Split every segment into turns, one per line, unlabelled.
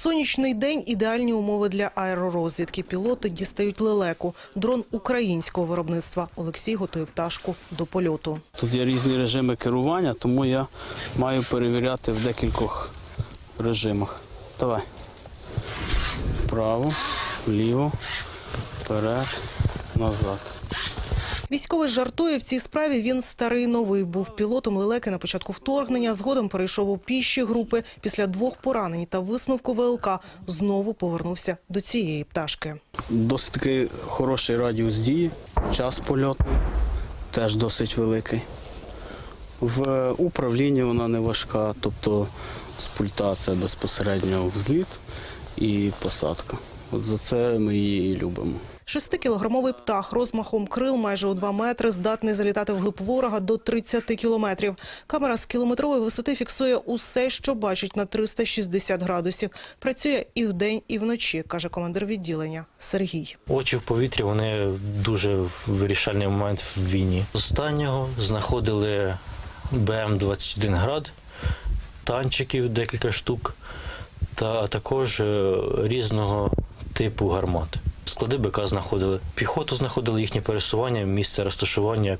Сонячний день – ідеальні умови для аеророзвідки. Пілоти дістають лелеку. Дрон українського виробництва. Олексій готує пташку до польоту.
Тут є різні режими керування, тому я маю перевіряти в декількох режимах. Давай. Вправо, вліво, вперед, назад.
Військовий жартує, в цій справі він старий новий. Був пілотом лелеки на початку вторгнення, згодом перейшов у піші групи. Після 2 поранень та висновку ВЛК знову повернувся до цієї пташки.
Досить такий хороший радіус дії, час польоту теж досить великий. В управлінні вона не важка, тобто з пульта це безпосередньо взліт і посадка. От за це ми її і любимо.
6-кілограмовий птах розмахом крил майже у 2 метри здатний залітати вглиб ворога до 30 кілометрів. Камера з кілометрової висоти фіксує усе, що бачить на 360 градусів. Працює і вдень, і вночі, каже командир відділення Сергій.
Очі в повітрі, вони дуже вирішальний момент в війні. Останнього знаходили БМ-21 «Град», танчиків декілька штук, та також різного типу гармат. Склади БК знаходили, піхоту знаходили, їхнє пересування, місце розташування.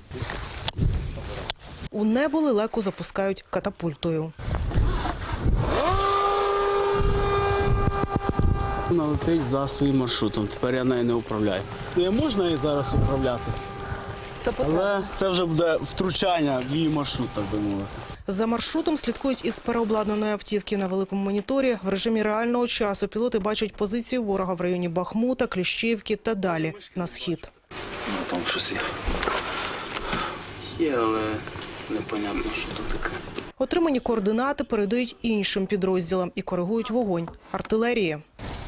У небо лелеку запускають катапультою.
Вона летить за своїм маршрутом, тепер я нею не управляю. Не можна її зараз управляти, але це вже буде втручання в її маршрут, так би мовити.
За маршрутом слідкують із переобладнаної автівки на великому моніторі. В режимі реального часу пілоти бачать позиції ворога в районі Бахмута, Кліщівки та далі на схід.
Там щось є. Є, але непонятно, що тут таке.
Отримані координати передають іншим підрозділам і коригують вогонь артилерії.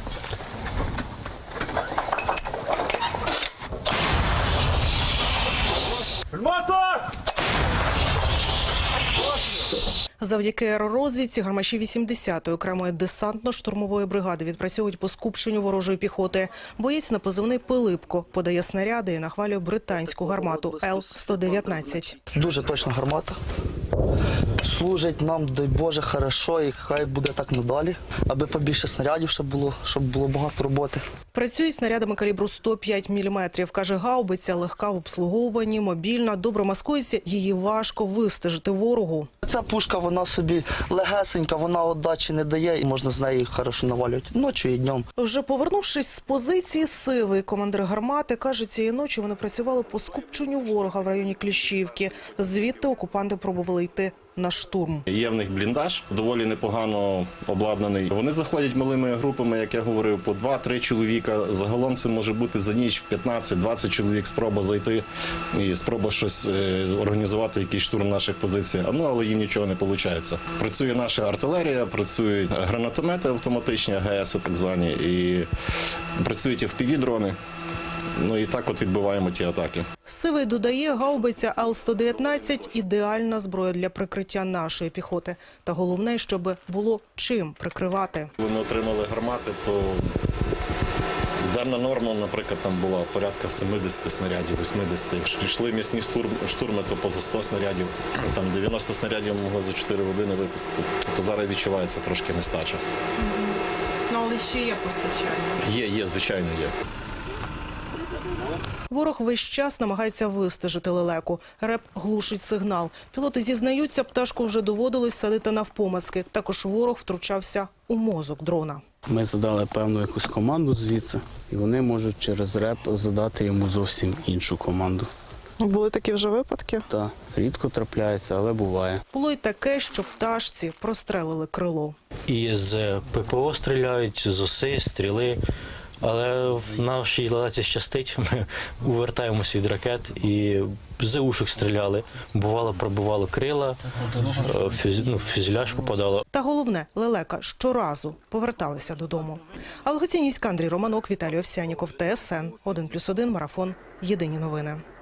Завдяки аеророзвідці гармаші 80-ї окремої десантно-штурмової бригади відпрацьовують по скупченню ворожої піхоти. Боєць на позивний «Пилипко» подає снаряди і нахвалює британську гармату Л-119.
Дуже точна гармата. Служить нам, дай Боже, хорошо, і хай буде так надалі, аби побільше снарядів ще було, щоб було багато роботи.
Працюють снарядами калібру 105 мм. Каже, гаубиця легка в обслуговуванні, мобільна, добре маскується, її важко вистежити ворогу.
Ця пушка, вона собі легесенька, вона отдачі не дає і можна з неї хорошо навалювати ночі і днем.
Вже повернувшись з позиції «Сивий», командир гармати каже, цієї ночі вони працювали по скупченню ворога в районі Кліщівки. Звідти окупанти пробували йти на штурм.
Є в них бліндаж, доволі непогано обладнаний. Вони заходять малими групами, як я говорив, по 2-3 чоловіка. Загалом це може бути за ніч 15-20 чоловік спроба зайти і спроба щось організувати, якийсь штурм наших позицій. Але їм нічого не виходить. Працює наша артилерія, працюють гранатомети автоматичні, АГС так звані, і працюють і FPV-дрони. І так от відбиваємо ті атаки.
Сивий додає, гаубиця Л-119 – ідеальна зброя для прикриття нашої піхоти. Та головне, щоб було чим прикривати.
Вони отримали гармати, то денна норма, наприклад, там була порядка 70 снарядів, 80. Якщо йшли м'ясні штурми, то поза 100 снарядів. Там 90 снарядів могли за 4 години випустити. То зараз відчувається трошки нестача.
Але ще є постачання.
Є, звичайно, є.
Ворог весь час намагається вистежити лелеку. РЕП глушить сигнал. Пілоти зізнаються, пташку вже доводилось садити навпомацки. Також ворог втручався у мозок дрона.
Ми задали певну якусь команду звідси, і вони можуть через РЕП задати йому зовсім іншу команду.
Були такі вже випадки?
Так, рідко трапляється, але буває.
Було й таке, що пташці прострелили крило.
І з ППО стріляють, з ОСИ, стріли. Але в нашій лелеці щастить, ми увертаємося від ракет і з ушок стріляли. Бувало, пробивало крила, фюзеляж попадало.
Та головне, лелека щоразу поверталися додому. Алгоцінівська, Андрій Романок, Віталій Овсяніков, ТСН 1+1, Марафон. Єдині новини.